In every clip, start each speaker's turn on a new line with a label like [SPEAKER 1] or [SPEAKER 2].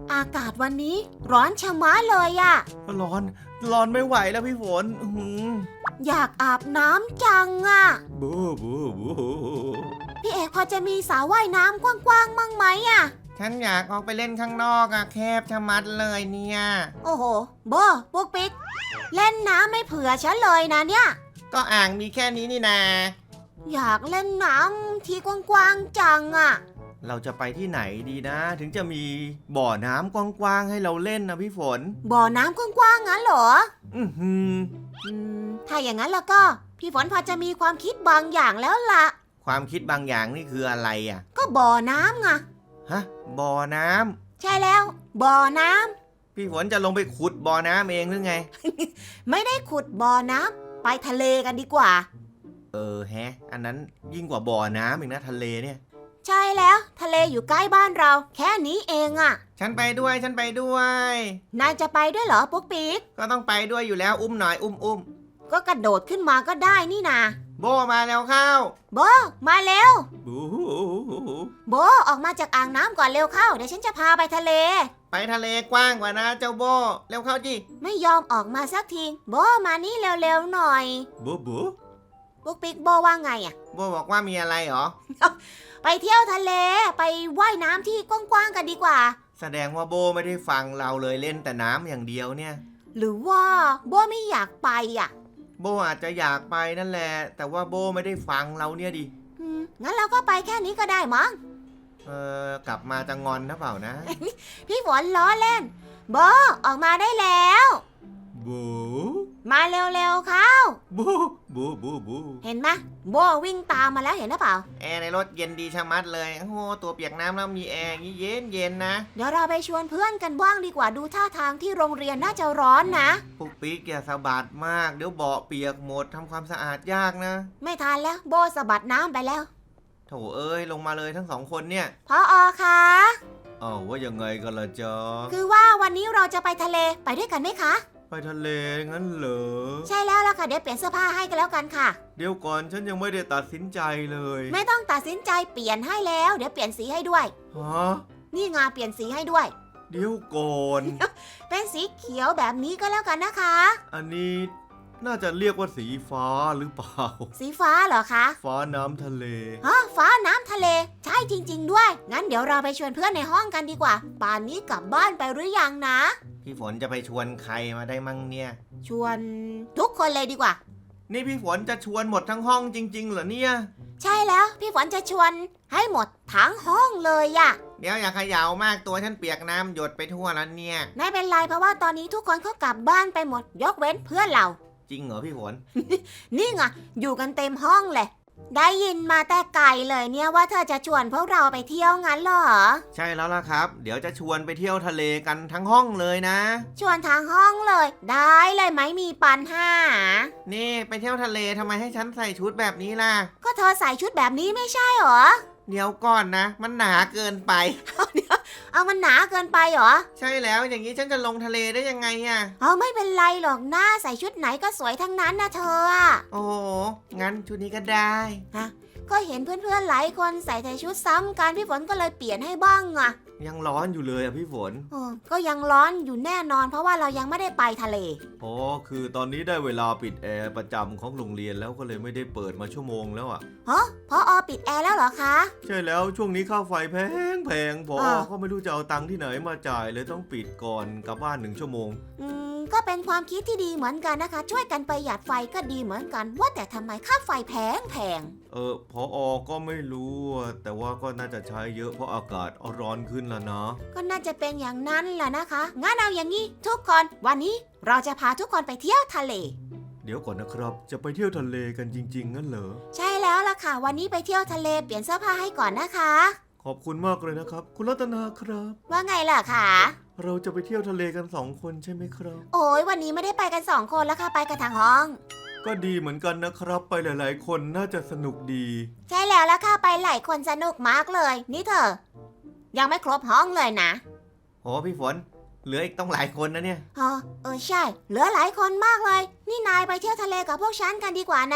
[SPEAKER 1] อากาศวันนี้ร้อนชะมัดเลยอะ
[SPEAKER 2] ร้อนไม่ไหวแล้วพี่ฝน
[SPEAKER 1] อยากอาบน้ำจังอะ
[SPEAKER 2] บูบูบู
[SPEAKER 1] พี่เอกพอจะมีสระว่ายน้ำกว้างๆมั่งไหมอะ
[SPEAKER 2] ฉันอยากออกไปเล่นข้างนอกอะแคบชะมัดเลยเนี่ย
[SPEAKER 1] โอ้โหโบปุ๊กปิ๊กเล่นน้ำไม่เผื่อฉันเลยนะเนี่ย
[SPEAKER 2] ก็อ่างมีแค่นี้นี่นา
[SPEAKER 1] อยากเล่นน้ำที่กว้างๆจังอะ
[SPEAKER 2] เราจะไปที่ไหนดีนะ ถึงจะมีบ่อน้ำกว้างๆให้เราเล่นนะพี่ฝน
[SPEAKER 1] บ่อน้ำกว้างๆงั้นเหรอ
[SPEAKER 2] อือหือ
[SPEAKER 1] ถ้าอย่างนั้นแล้วก็พี่ฝนพอจะมีความคิดบางอย่างแล้วล่ะ
[SPEAKER 2] ความคิดบางอย่างนี่คืออะไรอะ
[SPEAKER 1] ก็บ่อน้ำไง
[SPEAKER 2] ฮะบ่อน้ำ
[SPEAKER 1] ใช่แล้ว บ่อน้ำ
[SPEAKER 2] พี่ฝนจะลงไปขุดบ่อน้ำเองหรือไง
[SPEAKER 1] ไม่ได้ขุดบ่อน้ำไปทะเลกันดีกว่า
[SPEAKER 2] อันนั้นยิ่งกว่าบ่อน้ำอีกนะทะเลเนี่ย
[SPEAKER 1] ใช่แล้วทะเลอยู่ใกล้บ้านเรา แค่นี้เองอะ
[SPEAKER 2] ฉันไปด้วย
[SPEAKER 1] นายจะไปด้วยเหรอปุ๊กปิ๊ก
[SPEAKER 2] ก็ต้องไปด้วยอยู่แล้วอุ้มหน่อยอุ้ม
[SPEAKER 1] ก็กระโดดขึ้นมาก็ได้นี่นา
[SPEAKER 2] โบมาแล้วเข้า
[SPEAKER 1] โบมาเร็ว
[SPEAKER 2] บู
[SPEAKER 1] โบออกมาจากอ่างน้ำก่อนเร็วเข้าเดี๋ยวฉันจะพาไปทะเล
[SPEAKER 2] ไปทะเลกว้างกว่านะเจ้าโบเร็วเข้าจิ
[SPEAKER 1] ไม่ยอมออกมาสักทีโบมานี่เร็วๆหน่อย
[SPEAKER 2] บู
[SPEAKER 1] ปุ๊กปิ๊กโบว่าไงอะ
[SPEAKER 2] โบบอกว่ามีอะไรเหรอ
[SPEAKER 1] ไปเที่ยวทะเลไปว่ายน้ำที่กว้างๆกันดีกว่า
[SPEAKER 2] แสดงว่าโบไม่ได้ฟังเราเลยเล่นแต่น้ำอย่างเดียวเนี่ย
[SPEAKER 1] หรือว่าโบไม่อยากไปอะ
[SPEAKER 2] โบอาจจะอยากไปนั่นแหละ แต่ว่าโบไม่ได้ฟังเราเนี่ยดิ
[SPEAKER 1] งั้นเราก็ไปแค่นี้ก็ได้มั้ง
[SPEAKER 2] กลับมาจะงอนนะเปล่านะ
[SPEAKER 1] พี่ฝนล้อเล่นโบออกมาได้แล้ว
[SPEAKER 2] บู
[SPEAKER 1] มาเร็วๆเข้า
[SPEAKER 2] บู
[SPEAKER 1] เห็นไหมโบวิ่งตามมาแล้วเห็นหรือเปล่า
[SPEAKER 2] แอร์ในรถเย็นดีชะมัดเลยโอ้โหตัวเปียกน้ำแล้วมีแอร์อย่างนี้เย็นนะ
[SPEAKER 1] เดี๋ยวเราไปชวนเพื่อนกันบ้างดีกว่าดูท่าทางที่โรงเรียนน่าจะร้อนนะ
[SPEAKER 2] ปุ๊กปิ๊กอย่าสะบัดมากเดี๋ยวเบาะเปียกหมดทำความสะอาดยากนะ
[SPEAKER 1] ไม่ทันแล้วโบสะบัดน้ำไปแล้ว
[SPEAKER 2] โถเอ้ยลงมาเลยทั้งสองคนเนี่ย
[SPEAKER 1] พอคะ
[SPEAKER 2] ว่ายังไงกันล่ะจ๊ะ
[SPEAKER 1] คือว่าวันนี้เราจะไปทะเลไปด้วยกันไหมคะ
[SPEAKER 2] ไปทะเลงั้นเหรอ
[SPEAKER 1] ใช่แล้วล่ะค่ะเดี๋ยวเปลี่ยนเสื้อผ้าให้กันแล้วกันค่ะ
[SPEAKER 2] เดี๋ยวก่อนฉันยังไม่ได้ตัดสินใจเลย
[SPEAKER 1] ไม่ต้องตัดสินใจเปลี่ยนให้แล้วเดี๋ยวเปลี่ยนสีให้ด้วย
[SPEAKER 2] ฮะ
[SPEAKER 1] นี่ไงเปลี่ยนสีให้ด้วย
[SPEAKER 2] เดี๋ยวก่อน
[SPEAKER 1] เป็นสีเขียวแบบนี้ก็แล้วกันนะคะ
[SPEAKER 2] อันนี้น่าจะเรียกว่าสีฟ้าหรือเปล่า
[SPEAKER 1] สีฟ้าเหรอคะ
[SPEAKER 2] ฟ้าน้ำทะเล
[SPEAKER 1] ฟ้าน้ำทะเลใช่จริง ๆ ด้วย งั้นเดี๋ยวเราไปชวนเพื่อนในห้องกันดีกว่า ป่านนี้กลับบ้านไปหรือยังนะ
[SPEAKER 2] พี่ฝนจะไปชวนใครมาได้มั่งเนี่ย
[SPEAKER 1] ชวนทุกคนเลยดีกว่า
[SPEAKER 2] นี่พี่ฝนจะชวนหมดทั้งห้องจริงๆเหรอเนี่ย
[SPEAKER 1] ใช่แล้วพี่ฝนจะชวนให้หมดทั้งห้องเลยอะ
[SPEAKER 2] เดี๋ยวอย่าเขย่ามากตัวฉันเปียกน้ำหยดไปทั่วแล้วเนี่ย
[SPEAKER 1] ไม่เป็นไรเพราะว่าตอนนี้ทุกคนเขากลับบ้านไปหมดยกเว้นเพื่อนเรา
[SPEAKER 2] จริงเหรอพี่ฝน
[SPEAKER 1] นี่ไงอยู่กันเต็มห้องเลย ได้ยินมาแต่ไกลเลยเนี่ยว่าเธอจะชวนพวกเราไปเที่ยวงั้นเหรอ
[SPEAKER 2] ใช่แล้วล่ะครับ เดี๋ยวจะชวนไปเที่ยวทะเลกันทั้งห้องเลยนะ
[SPEAKER 1] ชวนทางห้องเลย ได้เลยไหมมีปัญหา
[SPEAKER 2] นี่ไปเที่ยวทะเลทำไมให้ฉันใส่ชุดแบบนี้ล่ะ
[SPEAKER 1] ก็เธอใส่ชุดแบบนี้ไม่ใช่เหรอ
[SPEAKER 2] เดี๋ยวก่อนนะ มันหนาเกินไป
[SPEAKER 1] เอามันหนาเกินไปเหรอ
[SPEAKER 2] ใช่แล้วอย่างนี้ฉันจะลงทะเลได้ยังไงอะ
[SPEAKER 1] เอาไม่เป็นไรหรอกหน้าใส่ชุดไหนก็สวยทั้งนั้นนะเธออะ
[SPEAKER 2] โอ้โหงั้นชุดนี้ก็ได้
[SPEAKER 1] ก็เห็นเพื่อนๆหลายคนใส่แต่ชุดซ้ำกันพี่ฝนก็เลยเปลี่ยนให้บ้างอะ
[SPEAKER 2] ยังร้อนอยู่เลยอะพี่ฝน
[SPEAKER 1] ก็ยังร้อนอยู่แน่นอนเพราะว่าเรายังไม่ได้ไปทะเล
[SPEAKER 2] อ๋อคือตอนนี้ได้เวลาปิดแอร์ประจำของโรงเรียนแล้วก็เลยไม่ได้เปิดมาชั่วโมงแล้วอะ
[SPEAKER 1] พอปิดแอร์แล้วเหรอคะ
[SPEAKER 2] ใช่แล้วช่วงนี้ค่าไฟแพงพอ
[SPEAKER 1] อ่า
[SPEAKER 2] ก็ไม่รู้จะเอาตังค์ที่ไหนมาจ่ายเลยต้องปิดก่อนกลับบ้าน1 ชั่วโมง
[SPEAKER 1] ก็เป็นความคิดที่ดีเหมือนกันนะคะ ช่วยกันประหยัดไฟก็ดีเหมือนกัน ว่าแต่ทำไมค่าไฟแพง
[SPEAKER 2] พอก็ไม่รู้อะแต่ว่าก็น่าจะใช้เยอะเพราะอากาศร้อนขึ้นแล้วนะ
[SPEAKER 1] ก็น่าจะเป็นอย่างนั้นแหละนะคะงั้นเอาอย่างนี้ทุกคนวันนี้เราจะพาทุกคนไปเที่ยวทะเล
[SPEAKER 2] เดี๋ยวก่อนนะครับจะไปเที่ยวทะเลกันจริงๆงั้นเหรอ
[SPEAKER 1] ใช่แล้วล่ะค่ะ วันนี้ไปเที่ยวทะเลเปลี่ยนเสื้อผ้าให้ก่อนนะคะ
[SPEAKER 2] ขอบคุณมากเลยนะครับ คุณรัตนาครับ
[SPEAKER 1] ว่าไงล่ะคะ
[SPEAKER 2] เราจะไปเที่ยวทะเลกัน2 คนใช่ไหมครับ
[SPEAKER 1] โอ้ยวันนี้ไม่ได้ไปกัน2 คนแล้วค่ะไปกันทางห้อง
[SPEAKER 2] ก็ดีเหมือนกันนะครับ ไปหลายๆ คนน่าจะสนุกดี
[SPEAKER 1] ใช่แล้วล่ะค่ะไปหลายคนสนุกมากเลย นี่เธอ ยังไม่ครบห้องเลยนะ
[SPEAKER 2] โอ้พี่ฝน เหลืออีกต้องหลายคนนะเนี่ย
[SPEAKER 1] ใช่ เหลือหลายคนมากเลย นี่นายไปเที่ยวทะเลกับพวกฉันกันดีกว่านะ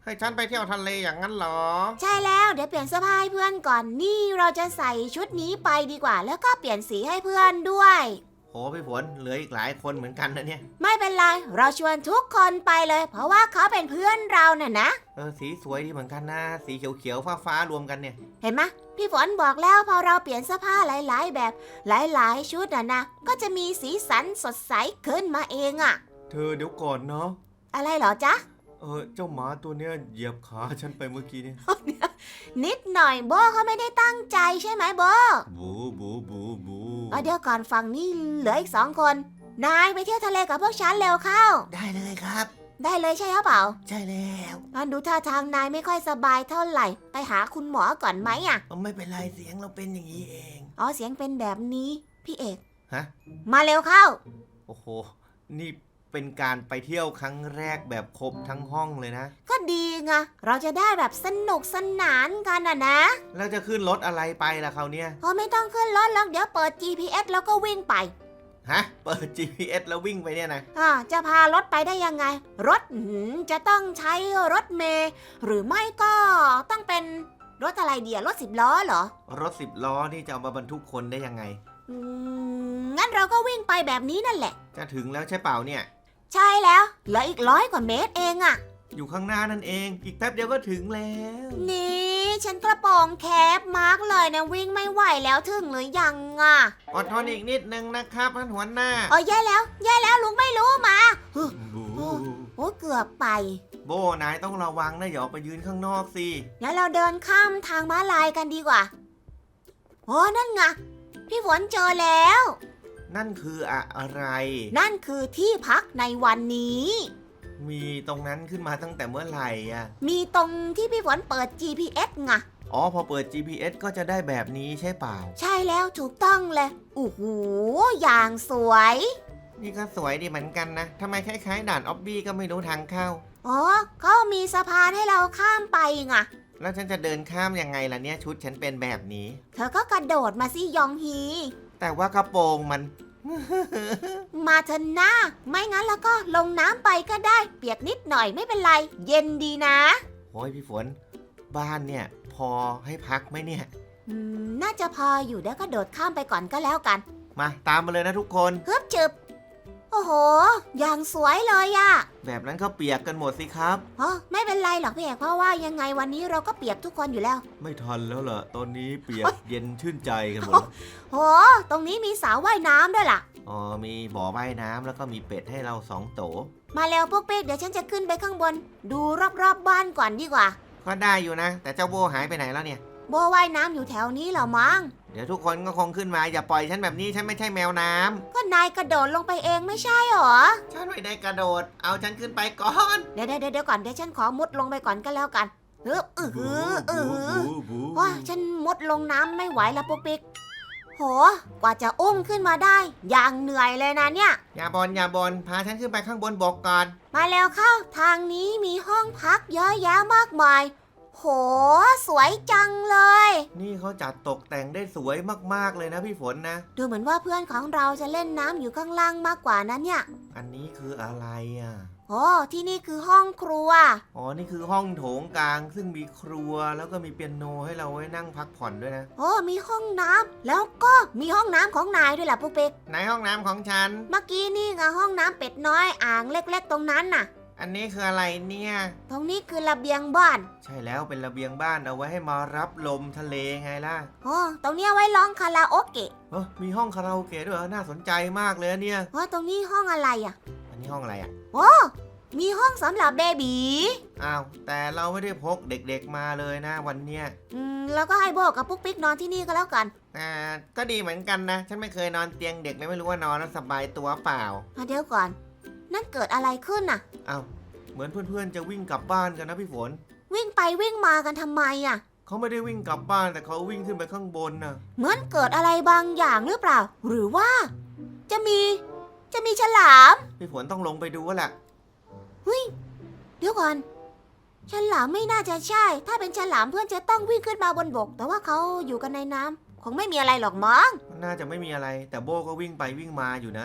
[SPEAKER 2] ให้ฉันไปเที่ยวทะเลอย่างนั้นเหรอ
[SPEAKER 1] ใช่แล้วเดี๋ยวเปลี่ยนเสื้อผ้าให้เพื่อนก่อนนี่เราจะใส่ชุดนี้ไปดีกว่า แล้วก็เปลี่ยนสีให้เพื่อนด้วย
[SPEAKER 2] โอ้พี่ฝนเหลืออีกหลายคนเหมือนกันนะเนี่ย
[SPEAKER 1] ไม่เป็นไรเราชวนทุกคนไปเลย เพราะว่าเขาเป็นเพื่อนเราน่ะนะ
[SPEAKER 2] สีสวยดีเหมือนกันนะสีเขียวๆฟ้าๆรวมกันเนี่ย
[SPEAKER 1] เห็นไหมพี่ฝนบอกแล้วพอเราเปลี่ยนเสื้อผ้าหลายๆแบบหลายๆชุดนะก็จะมีสีสันสดใสขึ้นมาเองอะ
[SPEAKER 2] เธอเดี๋ยวก่อนเนาะ
[SPEAKER 1] อะไรเหรอจ๊ะ
[SPEAKER 2] เจ้าหมาตัวเนี้ยเหยียบขาฉันไปเมื่อกี้เนี่ย
[SPEAKER 1] นิดหน่อยโบเขาไม่ได้ตั้งใจใช่ไหมโบ
[SPEAKER 2] บูบูบูบู
[SPEAKER 1] เดี๋ยวก่อนฝั่งนี้เหลืออีก2 คนนายไปเที่ยวทะเลกับพวกฉันเร็วเข้า
[SPEAKER 2] ได้เลยครับ
[SPEAKER 1] ได้เลยใช่หรือเปล่า
[SPEAKER 2] ใช่แล้ว
[SPEAKER 1] มันดูท่าทางนายไม่ค่อยสบายเท่าไหร่ไปหาคุณหมอก่อนไหมอะ
[SPEAKER 2] ไม่เป็นไรเสียงเราเป็นอย่างนี้เอง
[SPEAKER 1] อ๋อเสียงเป็นแบบนี้พี่เอก
[SPEAKER 2] ฮะ
[SPEAKER 1] มาเร็วเข้า
[SPEAKER 2] โอ้โหนี่เป็นการไปเที่ยวครั้งแรกแบบครบทั้งห้องเลยนะ
[SPEAKER 1] ก็ดีไงเราจะได้แบบสนุกสนานกันนะ
[SPEAKER 2] แล้วจะขึ้นรถอะไรไปล่ะคราวเนี้ย
[SPEAKER 1] ไม่ต้องขึ้นรถแล้วเดี๋ยวเปิด GPS แล้วก็วิ่งไป
[SPEAKER 2] ฮะเปิด GPS แล้ววิ่งไปเนี่ยนะ
[SPEAKER 1] จะพารถไปได้ยังไง รถจะต้องใช้รถเมล์หรือไม่ก็ต้องเป็นรถอะไรเดียรถ10 ล้อเหรอ
[SPEAKER 2] รถ10 ล้อนี่จะเอามาบรรทุกคนได้ยังไง
[SPEAKER 1] งั้นเราก็วิ่งไปแบบนี้นั่นแหละ
[SPEAKER 2] จะถึงแล้วใช่เปล่าเนี่ย
[SPEAKER 1] ใช่แล้วเหลืออีก100 กว่าเมตรเองอะ
[SPEAKER 2] อยู่ข้างหน้านั่นเอง อีกแป๊บเดียวก็ถึงแล้ว
[SPEAKER 1] นี่ฉันกระโปรงแคบมากเลยนะวิ่งไม่ไหวแล้วถึงหรือยังอะ
[SPEAKER 2] อดทนอีกนิดนึงนะครับท่านหัวหน้า
[SPEAKER 1] แย่แล้วลุงไม่รู้มา
[SPEAKER 2] บู
[SPEAKER 1] โอ้เกือบไป
[SPEAKER 2] โบนายต้องระวังนะอย่าออกไปยืนข้างนอกสิ
[SPEAKER 1] งั้นเราเดินข้ามทางม้าลายกันดีกว่านั่นไงพี่ฝนเจอแล้ว
[SPEAKER 2] นั่นคืออะไร
[SPEAKER 1] นั่นคือที่พักในวันนี้
[SPEAKER 2] มีตรงนั้นขึ้นมาตั้งแต่เมื่อไหร่อ่ะ
[SPEAKER 1] มีตรงที่พี่ฝนเปิด GPS ไง
[SPEAKER 2] อ๋อพอเปิด GPS ก็จะได้แบบนี้ใช่เปล่า
[SPEAKER 1] ใช่แล้วถูกต้องเลยโอ้โหอย่างสวย
[SPEAKER 2] นี่ก็สวยดีเหมือนกันนะทำไมคล้ายๆด่านออบบี้ก็ไม่รู้ทางเข้า
[SPEAKER 1] เขามีสะพานให้เราข้ามไปไง
[SPEAKER 2] แล้วฉันจะเดินข้ามยังไงล่ะเนี่ยชุดฉันเป็นแบบนี้
[SPEAKER 1] เธอก็กระโดดมาสิยองฮี
[SPEAKER 2] แต่ว่ากระโปรงมัน
[SPEAKER 1] มาเถอะนะไม่งั้นแล้วก็ลงน้ำไปก็ได้เปียกนิดหน่อยไม่เป็นไร เย็นดีนะ
[SPEAKER 2] โอ้ยพี่ฝน บ้านเนี่ย พอให้พักไหมเนี่ย
[SPEAKER 1] น่าจะพออยู่เดี๋ยวก็โดดข้ามไปก่อนก็แล้วกัน
[SPEAKER 2] มาตามมาเลยนะทุกคน
[SPEAKER 1] ฮึบจึบโอ้โห อย่างสวยเลยอะ
[SPEAKER 2] แบบนั้นก็เปียกกันหมดสิครับ
[SPEAKER 1] ไม่เป็นไรหรอกพี่เอกเพราะว่ายังไงวันนี้เราก็เปียกทุกคนอยู่แล้ว
[SPEAKER 2] ไม่ทันแล้วล่ะ ตอนนี้เปียกเย็นชื่นใจกันหมด
[SPEAKER 1] โห ตรงนี้มีสระว่ายน้ำด้วยล่ะ
[SPEAKER 2] อ๋อมีบ่อว่ายน้ำแล้วก็มีเป็ดให้เรา2 โต
[SPEAKER 1] มาเร็วพวกเป๊กเดี๋ยวฉันจะขึ้นไปข้างบน ดูรอบๆบ้านก่อนดีกว่า
[SPEAKER 2] ก็ได้อยู่นะ แต่เจ้าโบหายไปไหนแล้วเนี่ย
[SPEAKER 1] โบว่ายน้ำอยู่แถวนี้เหรอมั้ง
[SPEAKER 2] เดี๋ยวทุกคนก็คงขึ้นมาอย่าปล่อยฉันแบบนี้ฉันไม่ใช่แมวน้ำ
[SPEAKER 1] ก็นายกระโดดลงไปเองไม่ใช่หรอ
[SPEAKER 2] ฉันไม่ได้กระโดด เอาฉันขึ้นไปก่อน
[SPEAKER 1] เดี๋ยวก่อนเดี๋ยวฉันขอมุดลงไปก่อนก็แล้วกันฮึบว้าฉันมุดลงน้ำไม่ไหวแล้วปุ๊กปิ๊กโหกว่าจะอุ้มขึ้นมาได้ อย่างเหนื่อยเลยนะเนี่ย
[SPEAKER 2] อย่าบนพาฉันขึ้นไปข้างบนบกก่อน
[SPEAKER 1] มาแล้วเข้าทางนี้มีห้องพักเยอะแยะมากมายโหสวยจังเลย
[SPEAKER 2] นี่เขาจัดตกแต่งได้สวยมากๆเลยนะพี่ฝนนะ
[SPEAKER 1] ดูเหมือนว่าเพื่อนของเราจะเล่นน้ำอยู่ข้างล่างมากกว่านั้นเนี่ย
[SPEAKER 2] อันนี้คืออะไรอ่ะ
[SPEAKER 1] โอ้ที่นี่คือห้องครัว
[SPEAKER 2] อ๋อนี่คือห้องโถงกลาง ซึ่งมีครัวแล้วก็มีเปียโนให้เราไว้นั่งพักผ่อนด้วยนะ
[SPEAKER 1] โอ้มีห้องน้ำแล้วก็มีห้องน้ำของนายด้วยล่ะปุ๊กปิ๊ก
[SPEAKER 2] ในห้องน้ำของฉัน
[SPEAKER 1] เมื่อกี้นี่ไงห้องน้ำเป็ดน้อยอ่างเล็กๆตรงนั้นน่ะ
[SPEAKER 2] อันนี้คืออะไรเนี่ย
[SPEAKER 1] ตรงนี้คือระเบียงบ้าน
[SPEAKER 2] ใช่แล้วเป็นระเบียงบ้านเอาไว้ให้มารับลมทะเลไงล่ะ
[SPEAKER 1] โอ้ตรงนี้เอาไว้ร้องคาราโอเกะ
[SPEAKER 2] มีห้องคาราโอเกะด้วยเหรอน่าสนใจมากเลยเนี่ย
[SPEAKER 1] ตรงนี้ห้องอะไรอ่ะ
[SPEAKER 2] อันนี้ห้องอะไรอ่ะ
[SPEAKER 1] มีห้องสำหรับเบบี
[SPEAKER 2] อ้าวแต่เราไม่ได้พกเด็กๆมาเลยนะวันเนี้ย
[SPEAKER 1] แล้วก็ให้โบกับปุ๊กปิ๊กนอนที่นี่ก็แล้วกัน
[SPEAKER 2] ก็ดีเหมือนกันนะ ฉันไม่เคยนอนเตียงเด็กเลยไม่รู้ว่านอนแล้วสบายตัวเปล่า
[SPEAKER 1] เดี๋ยวก่อน นั่นเกิดอะไรขึ้นน่ะ
[SPEAKER 2] อ้าวเหมือนเพื่อนๆจะวิ่งกลับบ้านกันนะพี่ฝน
[SPEAKER 1] วิ่งไปวิ่งมากันทำไมอ่ะ
[SPEAKER 2] เขาไม่ได้วิ่งกลับบ้านแต่เขาวิ่งขึ้นไปข้างบนน่ะ
[SPEAKER 1] เหมือนเกิดอะไรบางอย่างหรือเปล่า หรือว่า จะมีฉลาม
[SPEAKER 2] พี่ฝนต้องลงไปดูว่าแหละ
[SPEAKER 1] เดี๋ยวก่อน ฉลามไม่น่าจะใช่ ถ้าเป็นฉลามเพื่อนจะต้องวิ่งขึ้นมาบนบก แต่ว่าเขาอยู่กันในน้ำคงไม่มีอะไรหรอกมั้ง
[SPEAKER 2] น่าจะไม่มีอะไร แต่โบก็วิ่งไปวิ่งมาอยู่นะ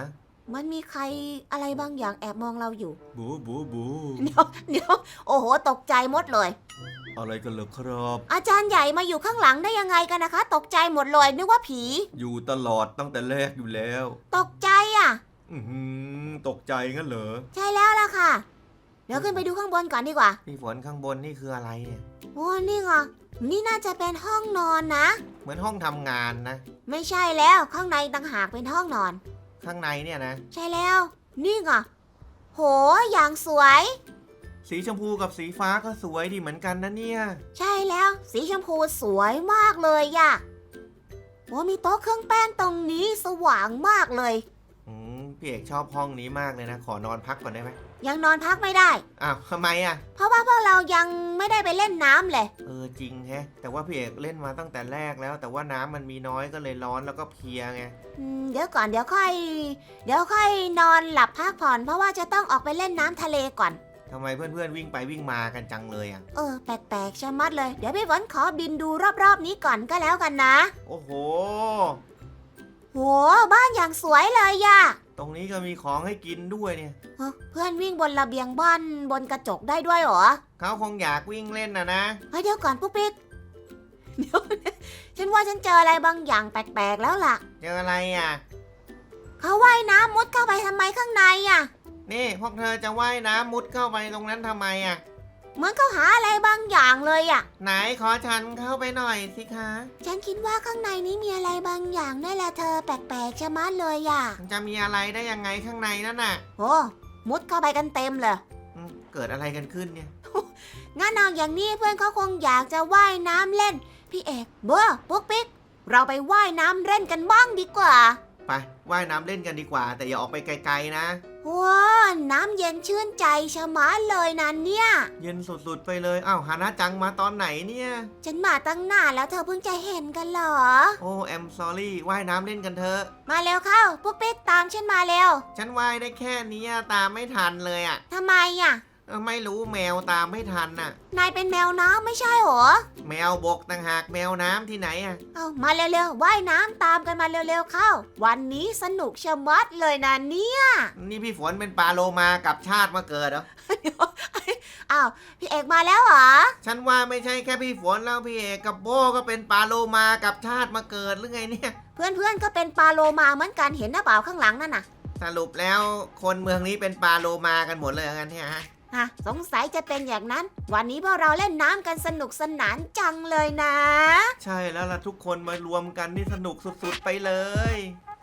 [SPEAKER 1] มันมีใครอะไรบางอย่างแอบมองเราอยู่
[SPEAKER 2] บูบูบู
[SPEAKER 1] เดี๋ยวโอ้โหตกใจหมดเลย
[SPEAKER 2] อะไรกันเหรอครับ
[SPEAKER 1] อาจารย์ใหญ่มาอยู่ข้างหลังได้ยังไงกันนะคะ ตกใจหมดเลยนึกว่าผี
[SPEAKER 2] อยู่ตลอดตั้งแต่แรกอยู่แล้ว
[SPEAKER 1] ตกใจอ่ะ
[SPEAKER 2] ตกใจงั้นเหรอ
[SPEAKER 1] ใช่แล้วล่ะค่ะ เดี๋ยวขึ้นไปดูข้างบนก่อนดีกว่า
[SPEAKER 2] พี่ฝนข้างบนนี่คืออะไรเนี่ย
[SPEAKER 1] โอ้นี่ไงนี่น่าจะเป็นห้องนอนนะ
[SPEAKER 2] เหมือนห้องทำงานนะ
[SPEAKER 1] ไม่ใช่แล้วข้างในต่างหากเป็นห้องนอน
[SPEAKER 2] ข้างในเนี่ยนะ
[SPEAKER 1] ใช่แล้ว นี่ไงโหอย่างสวย
[SPEAKER 2] สีชมพูกับสีฟ้าก็สวยดีเหมือนกันนะเนี่ย
[SPEAKER 1] ใช่แล้ว สีชมพูสวยมากเลยอะโอ้มีโต๊ะเครื่องแป้งตรงนี้สว่างมากเลย
[SPEAKER 2] พี่เอกชอบห้องนี้มากเลยนะ ขอนอนพักก่อนได้ไหม
[SPEAKER 1] ยังนอนพักไม่ได้
[SPEAKER 2] อ้าวทำไมอ่ะ
[SPEAKER 1] เพราะว่าพวกเรายังไม่ได้ไปเล่นน้ำเลย
[SPEAKER 2] จริงแฮะ แต่ว่าพี่เอกเล่นมาตั้งแต่แรกแล้ว แต่ว่าน้ำมันมีน้อยก็เลยร้อนแล้วก็เพลียไง
[SPEAKER 1] เดี๋ยวก่อนเดี๋ยวค่อยนอนหลับพักผ่อน เพราะว่าจะต้องออกไปเล่นน้ำทะเลก่อน
[SPEAKER 2] ทำไมเพื่อนๆวิ่งไปวิ่งมากันจังเลยอ่ะ
[SPEAKER 1] แปลกๆชะมัดเลย เดี๋ยวพี่ฝนขอบินดูรอบๆนี้ก่อนก็แล้วกันนะ
[SPEAKER 2] โอ้โห
[SPEAKER 1] โหบ้านอย่างสวยเลยอะ
[SPEAKER 2] ตรงนี้ก็มีของให้กินด้วยเนี่ย
[SPEAKER 1] เพื่อนวิ่งบนระเบียงบ้านบนกระจกได้ด้วยเหรอ
[SPEAKER 2] เขาคงอยากวิ่งเล่นนะ
[SPEAKER 1] เฮ้ยเดี๋ยวก่อนปุ๊กปิ๊กเดี๋ยวฉันว่าฉันเจออะไรบางอย่างแปลกๆแล้วล่ะ
[SPEAKER 2] เจออะไรอ่ะ
[SPEAKER 1] เขาว่ายน้ำมุดเข้าไปทำไมข้างในอ่ะ
[SPEAKER 2] นี่พวกเธอจะว่ายน้ำมุดเข้าไปตรงนั้นทำไมอ่ะ
[SPEAKER 1] เหมือนเขาหาอะไรบางอย่างเลยอ่ะ
[SPEAKER 2] ไหนขอฉันเข้าไปหน่อยสิคะ
[SPEAKER 1] ฉันคิดว่าข้างในนี้มีอะไรบางอย่างนั่นแหละเธอแปลกๆชะมัดเลยอ่ะ
[SPEAKER 2] มันจะมีอะไรได้ยังไงข้างในนั่นน่ะ
[SPEAKER 1] โอ้มุดเข้าไปกันเต็มเลย
[SPEAKER 2] เกิดอะไรกันขึ้นเนี่ย
[SPEAKER 1] งั้นเอาอย่างนี้เพื่อนเขาคงอยากจะว่ายน้ำเล่น พี่เอกเบอร์ปุ๊กปิ๊กเราไปว่ายน้ำเล่นกันบ้างดีกว่า
[SPEAKER 2] ไปว่ายน้ำเล่นกันดีกว่า แต่อย่าออกไปไกลๆนะ
[SPEAKER 1] ว้าน้ำเย็นชื่นใจชะมัดเลยนะเนี่ย
[SPEAKER 2] เย็นสุดๆไปเลยอ้าวฮานะจังมาตอนไหนเนี่ย
[SPEAKER 1] ฉันมาตั้งนานแล้วเธอเพิ่งจะเห็นกันเหรอ
[SPEAKER 2] โอ้แอมซอรี่ว่ายน้ำเล่นกันเถอะ
[SPEAKER 1] มาเร็วเข้าปุ๊กปิ๊กตามฉันมาเร็ว
[SPEAKER 2] ฉันว่ายได้แค่นี้ตามไม่ทันเลยอ่ะ
[SPEAKER 1] ทำไมอ่ะ
[SPEAKER 2] ไม่รู้แมวตามไม่ทันน่ะ
[SPEAKER 1] นายเป็นแมวน้ำไม่ใช่หรอ
[SPEAKER 2] แมวบกต่างหากแมวน้ำที่ไหนอ่ะ
[SPEAKER 1] เอามาเร็วๆว่ายน้ำตามกันมาเร็วๆเข้า วันนี้สนุกชะมัดเลยนะเนี่ย
[SPEAKER 2] นี่พี่ฝนเป็นปลาโลมากับชาติมาเกิดเหรอ
[SPEAKER 1] อ้าวพี่เอกมาแล้วเหรอ
[SPEAKER 2] ฉันว่าไม่ใช่แค่พี่ฝนแล้วพี่เอกกับโบก็เป็นปลาโลมากับชาติมาเกิดหรือไงเนี่ย
[SPEAKER 1] เพื่อนๆก็เป็นปลาโลมาเหมือนกันเห็นหน้าเปล่าข้างหลังนั่นน่ะ
[SPEAKER 2] สรุปแล้วคนเมืองนี้เป็นปลาโลมากันหมดเลยงั้นเนี่ยฮะ
[SPEAKER 1] สงสัยจะเป็นอย่างนั้น วันนี้พวกเราเล่นน้ำกันสนุกสนานจังเลยนะ
[SPEAKER 2] ใช่แล้วล่ะทุกคนมารวมกันนี่สนุกสุดๆไปเลย